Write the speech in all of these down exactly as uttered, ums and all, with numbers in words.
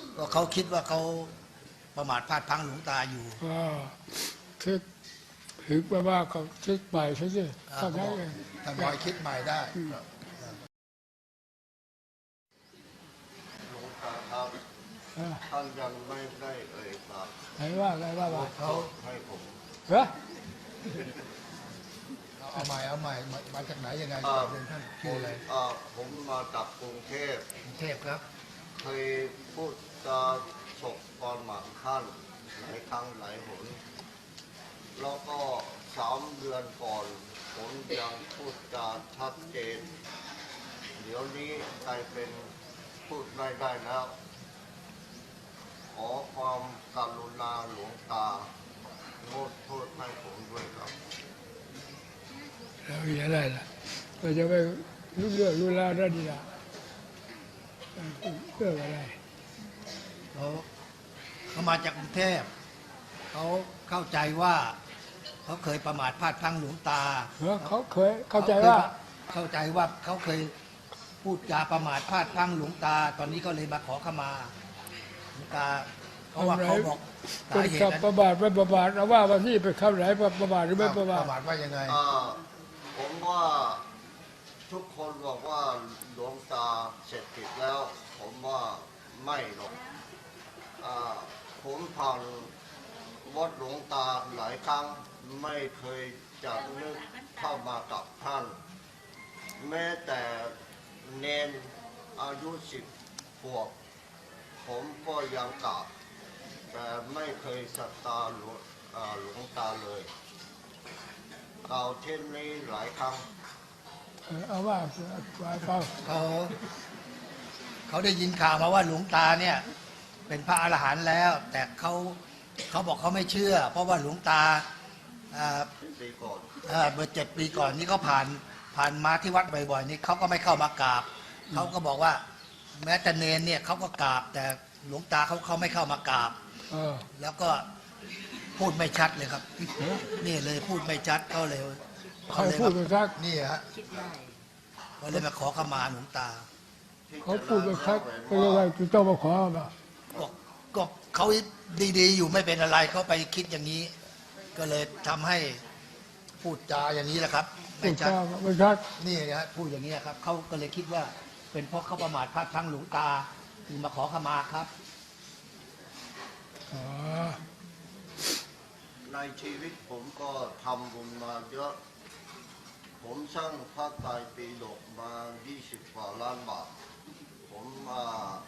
ก็เขาคิดว่าเขาประมาทพลาดพลั้งหลวงตาอยู่ก็คิดถึงไปว่าเขาคิดใหม่ใช่ไหมท่านบอกท่านบอกคิดใหม่ได้หลวงตาครับท่านยังไม่ได้เอ่ยปากไหนว่าไงว่าว่าเขาให้ผมเหรอเอาใหม่เอาใหม่มาจากไหนยังไงเรียนท่านชื่ออะไรผมมาจากกรุงเทพกรุงเทพครับเคยพูดจาฉกตอนหมากท่านหลายครั้งหลายหนแล้วก็สามเดือนก่อนผมยังพูดจาชัดเจนเดี๋ยวนี้กลายเป็นพูดไม่ได้แล้วขอความกรุณาหลวงตางดโทษให้ผมด้วยครับแล้วอย่างไรล่ะเราจะไปรู้เรื่องรู้ราวได้ดีละเรื่องอะไรเขาเขามาจากกรุงเทพเขาเข้าใจว่าเขาเคยประมาทพลาดพลั้งหลวงตาเขาเคยเข้าใจว่าเข้าใจว่าเขาเคยพูดจาประมาทพลาดพลั้งหลวงตาตอนนี้ก็เลยมาขอขมาหลวงตาเพราะว่าเขาบอกสาเหตุประมาทไม่ประมาทเราว่าวันนี้ไปเข้าไหนประมาทหรือไม่ประมาทประมาทว่ายังไงผมว่าทุกคนบอกว่าหลวงตาเสร็จผิดแล้วผมว่าไม่หรอกผมผ่านวัดหลวงตาหลายครั้งไม่เคยจะนึกเข้ามากับท่านแม้แต่เนนอายุสิบขวบผมก็ยังกราบแต่ไม่เคยศรัทธาหลวงหลวงตาเลยกล่าวเช่นนี้หลายครั้งเอาว่าเขาเขาเขาได้ยินข่าวมาว่าหลวงตาเนี่ยเป็นพระอรหันต์แล้วแต่เขาเขาบอกเขาไม่เชื่อเพราะว่าหลวงตาปีก่อนเมื่อเจ็ดปีก่อนนี่เขาผ่านผ่านมาที่วัดบ่อยๆนี่เขาก็ไม่เข้ามากราบเขาก็บอกว่าแม้แต่เนนเนี่ยเขาก็กราบแต่หลวงตาเขาเขาไม่เข้ามากราบแล้วก็พูดไม่ชัดเลยครับนี่เลยพูดไม่ชัดเขาเลยเขาพูดไม่ชัดนี่ฮะเขาเลยมาขอขมาหลวงตาเขาพูดไม่ชัดก็เลยจะต้องมาขอมาก็เขาดีๆอยู่ไม่เป็นอะไรเขาไปคิดอย่างนี้ก็เลยทำให้พูดจาอย่างนี้แหละครับไม่ชัดไม่ชัดนี่นะพูดอย่างนี้ครับเขาก็เลยคิดว่าเป็นเพราะเขาประมาทพลาดพลั้งหลวงตาจึงมาขอขมาครับในชีวิตผมก็ทำบุญมาเยอะผมสร้างพระไตรปิฎกมายี่สิบกว่าล้านบาทผมมา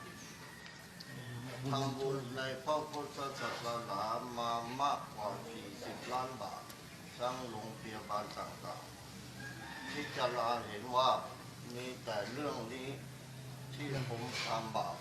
ทำบุญในพระพุทธศาสนามามากกว่าสี่สิบล้านบาทสร้างโรงพยาบาลต่างๆที่จะลาเห็นว่ามีแต่เรื่องนี้ที่ผมทำบาป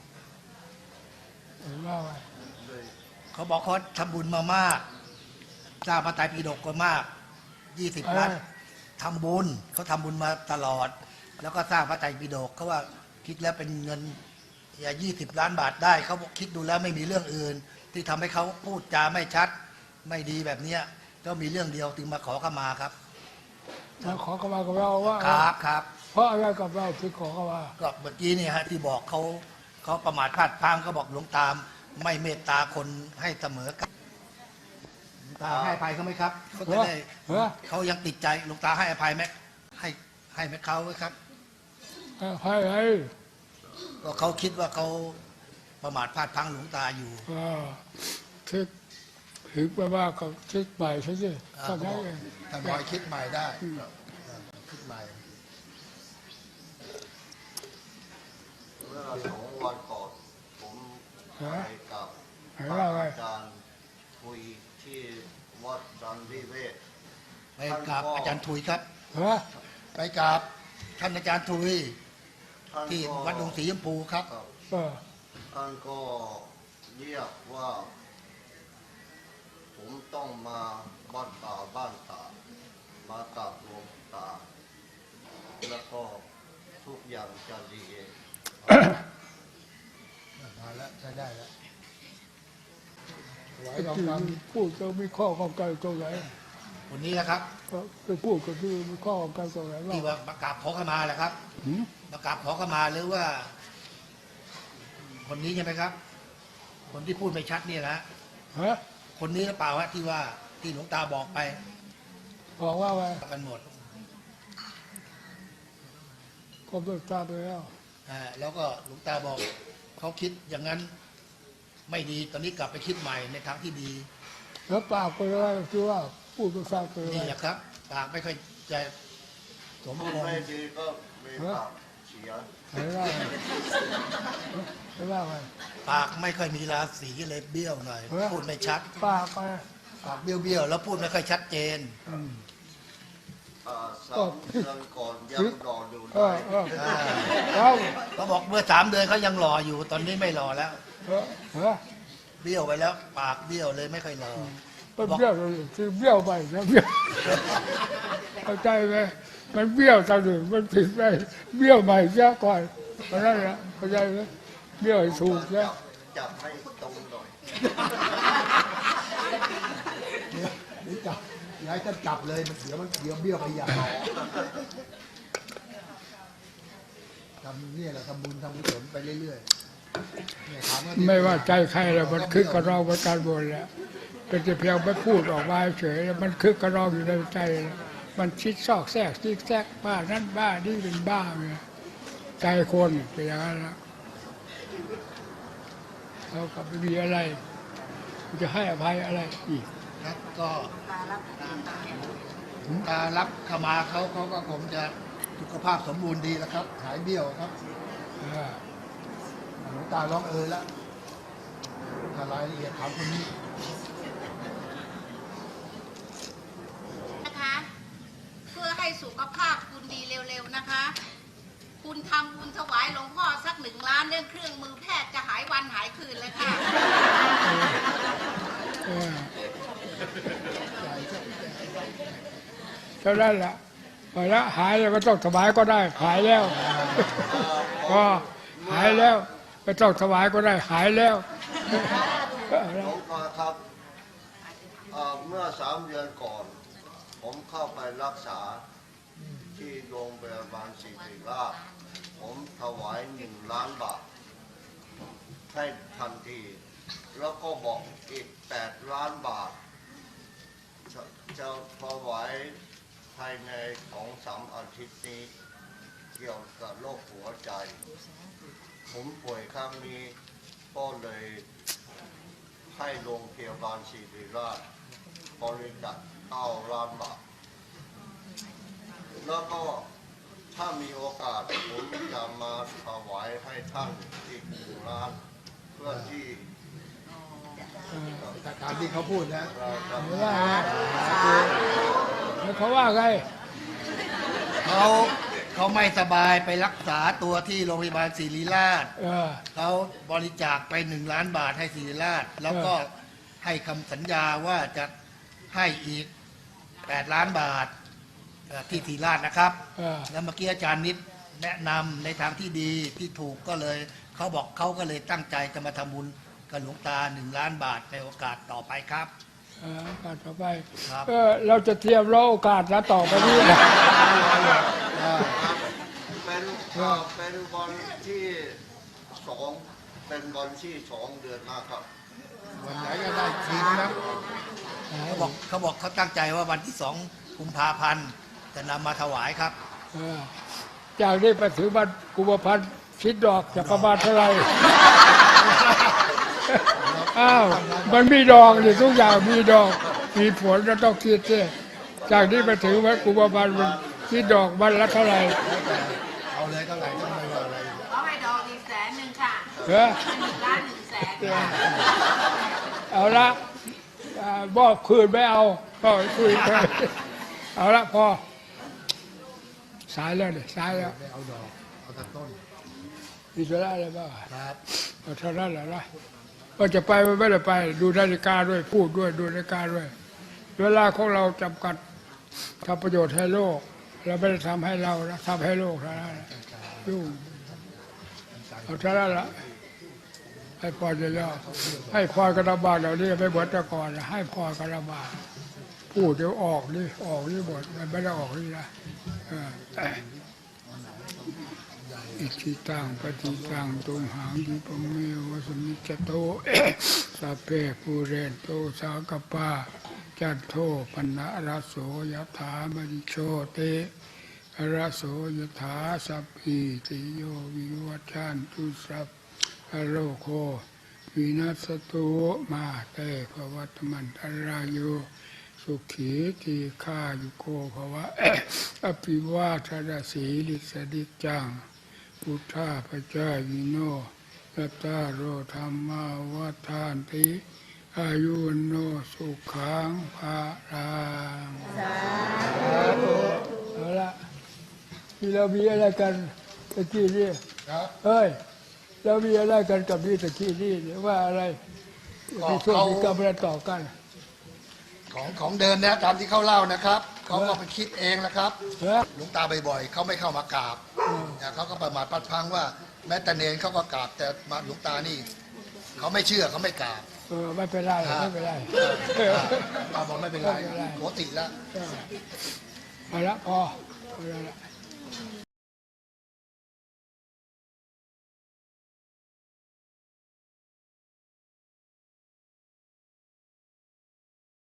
เขาบอกเขาทำบุญมามากสร้างพระไตรปิฎกก็มากยี่สิบล้านทำบุญเขาทำบุญมาตลอดแล้วก็สร้างพระไตรปิฎกเขาว่าคิดแล้วเป็นเงินอย่ายี่สิบล้านบาทได้เขาคิดดูแล้วไม่มีเรื่องอื่นที่ทำให้เขาพูดจาไม่ชัดไม่ดีแบบเนี้ยก็มีเรื่องเดียวจึงมาขอขมาครับมาขอขมากับเราว่าครับครับเพราะอะไรกับเราที่ขอขมาก็เมื่อกี้นี่ฮะที่บอกเขาเขาประมาทพลาดพลั้งเขาบอกหลวงตาไม่เมตตาคนให้เสมอกันหลวงตาให้อภัยเขาไหมครับเขาจะได้เขายังติดใจหลวงตาให้อภัยไหมให้ให้ไหมเขาไหมครับให้ให้ก็เขาคิดว่าเขาประมาทพลาดพลั้งหลวงตาอยู่คิดถึงไปว่าเขาคิดใหม่ใช่ไหมท่านบอกท่านบอกคิดใหม่ได้คิดใหม่เมื่อสองวันก่อนผมไปกับอาจารย์คุยที่วัดจันทิเวศไปกับอาจารย์ทุยครับไปกับท่านอาจารย์ทุยที่วัดดงสีชมพูครับท่านก็เรียกว่าผมต้องมาบ้านตาบ้านตามากับหลวงตาแล้วก็ทุกอย่างจะดีเองมาแล้วใช้ได้แล้วพูดจะมีข้อข้องใจตรงไหนวันนี้นะครับไปพูดก็คือมีข้อข้องใจตรงไหนที่ว่าประกาศขอขมาแหละครับประกาศขอขมาหรือว่าคนนี้ใช่ไหมครับคนที่พูดไม่ชัดเนี่ยนะฮะคนนี้หรือเปล่าฮะที่ว่าที่หลวงตาบอกไปบอกว่าไงกันหมดก็เลิกทราบไปแล้วอ่าแล้วก็หลวงตาบอกเขาคิดอย่างนั้นไม่ดีตอนนี้กลับไปคิดใหม่ในทางที่ดีแล้วปากไปว่าคือว่าพูดก็ทราบไปนี่ว่าแหละครับปากไม่ค่อยจะสมพูดบูรไม่ณ์ดีก็มีปากเสียไม่ว่าไงไม่ว่าไงปากไม่ค่อยมีราศีเลยเบี้ยวหน่อยเออพูดไม่ชัดปากไปปากเบี้ยวเบี้ยวๆแล้วพูดไม่ค่อยชัดเจนอืมอ่าสามเดือนก่อนยังรออยู่เอเลอย เอออ่าแล้วเขาบอกเมื่อสามเดือนเขายังหล่ออยู่ ตอนนี้ไม่หล่อแล้วเออเออเบี้ยวไปแล้ว ปากเบี้ยวเลยไม่ค่อยหล่อมันเบี้ยวเลยคือเบี้ยวไปนะเบี้ยวเข้าใจไหมมันเบี้ยวตอนหนึ่งมันผิดไปเบี้ยวใหม่เสียก่อนเพราะนั่นแหละเข้าใจไหมเบี้ยวให้ถูกจันะบจับให้ตรงหน่อยเดี๋ยวจับย้ายท่านจับเลยมันเดี๋ยวมันเดี๋ยวเบี้ยวไปอย่างทำเนี่ยแหละทำบุญทำกุศลไปเรื่อยๆเนี่ยถามว่าไม่ว่าใจใครแล้วมันคึกกระรอกประการบนแล้วเป็นแต่เพียงไม่พูดออกมาเฉยแล้วมันคึกกระรอกอยู่ในใจแล้วมันคิดซอกแซกซิกแซกบ้านั่นบ้านี่เป็นบ้าเลยใจคนเป็นอย่างนั้นแล้วเราก็ไม่มีอะไรจะให้อภัยอะไรอีกครับก็ตารับขมาเขาเขาก็คงจะสุขภาพสมบูรณ์ดีแล้วครับ หายเบี้ยวครับเออหลวงตาร้องเออแล้วถ้ารายละเอียดถามคนนี้นะคะเพื่อให้สุขภาพคุณดีเร็วๆนะคะ คุณทำบุญถวายหลวงพ่อสักหนึ่งล้านเรื่องเครื่องมือแพทย์จะหายวันหายคืนเลยค่ะเออเท่านั้นแหละพอแล้วหายแล้วไม่ต้องถวายก็ได้หายแล้วก็หายแล้วไม่ต้องถวายก็ได้หายแล้วหลวงพ่อครับเอ่อเมื่อสามเดือนก่อน ผมเข้าไปรักษาที่โรงพยาบาลศิริราชผมถวายหนึ่งล้านบาทให้ทันที แล้วก็บอกอีกแปดล้านบาท จะจะถวายภายในสองสามอาทิตย์นี้ เกี่ยวกับโรคหัวใจ ผมป่วยครั้งนี้ก็เลยให้โรงพยาบาลศิริราชบริจาคเก้าล้านบาท แล้วก็ถ้ามีโอกาสผมจะมาถวายให้ท่านอีกหนึ่งล้าน เพื่อที่แต่ตามที่เขาพูดนะเราจะไม่ว่าไงแล้วเขาว่าไงเขาเขาไม่สบายไปรักษาตัวที่โรงพยาบาลศิริราชเออเขาบริจาคไปหนึ่งล้านบาทให้ศิริราช แล้วก็ให้คำสัญญาว่าจะให้อีกแปดล้านบาทเอ่อที่ศิริราชนะครับเออแล้วเมื่อกี้อาจารย์นิดแนะนำในทางที่ดีที่ถูกก็เลยเขาบอกเขาก็เลยตั้งใจจะมาทำบุญกับหลวงตาหนึ่งล้านบาทในโอกาสต่อไปครับเออโอกาสต่อไปครับเออเราจะเตรียมรอโอกาสแล้วต่อไปนี้นะเป็นเอ่อเป็นวันที่สองเป็นวันที่สองเดือนหน้าครับวันไหนก็ได้ทีนะครับเขาบอกเขาบอกเขาตั้งใจว่าวันที่สองกุมภาพันธ์จะนำมาถวายครับเออจากนี้ไปถึงวันกุมภาพันธ์คิดดอกจะประมาณเท่าไหร่ อ้าวมันมีดอกนี่ทุกอย่างมีดอกมีผลเราต้องคิดสิจากนี้ไปถึงวันกุมภาพันธ์มันคิดดอกวันละเท่าไหร่เอาเลยเท่าไหร่ก็ไม่ว่าอะไรขอให้ดอกอีกแสนหนึ่งค่ะเออหนึ่งล้านหนึ่งแสนค่ะเอาละอ่าบอกคืนไม่เอาก็คุยกันเอาละพอสายแล้วเนี่ยสายแล้วไม่เอาดอกเอาแต่ต้นมีธุระอะไรบ้างครับเอาเท่านั้นแหละนะก็จะไปไม่ได้ไป ดูนาฬิกาด้วยพูดด้วยดูนาฬิกาด้วย เวลาของเราจำกัดทำประโยชน์ให้โลกเราไม่ได้ทำให้เรานะทำให้โลกเท่านั้นแหละยุ่งเอาเท่านั้นละให้พรเลยแล้วให้พรกระบาดเหล่านี้ไม่เหมือนแต่ก่อนนะให้พรกระบาดพูดเดี๋ยวออกนี่ออกนี่หมดมันไม่ได้ออกนี่นะเอออิทิตังปฏิตังตุมหังดิปะเมวะสมิจโต สัพเพปูเรนโตสากปาจันโทปนะระโสยถามณิโชติระโสยถาสัพพิติโยวิวัชชันตุสัพพะโลโควินัสตุมาเตภวัตมันตรายโยสุขีทีฆายุโกภวะ อภิวาทนาสีลิสดิจังพุทธาปจายโนยัตตาโรธรรมาวัฏานติอายุวโนสุขังภาลังเอาละที่เรามีอะไรกันตะกี้นี่ครับเฮ้ยเรามีอะไรกันกับนี่ตะกี้นี่หรือว่าอะไรมีช่วงมีกรรมอะไรต่อกันของของเดินนะตามที่เขาเล่านะครับเขาก็ไปคิดเองนะครับเฮ้ยหลวงตาบ่อยๆเขาไม่เข้ามากราบนะเขาก็ประมาทพัดพลังว่า แม้แต่เนรเขาก็กราบแต่มาหลวงตานี่เขาไม่เชื่อเขาไม่กราบเออไม่เป็นไรไม่เป็นไรตาบอกไม่เป็นไรไม่เป็นไรปกติแล้วเอาละพอเอาละ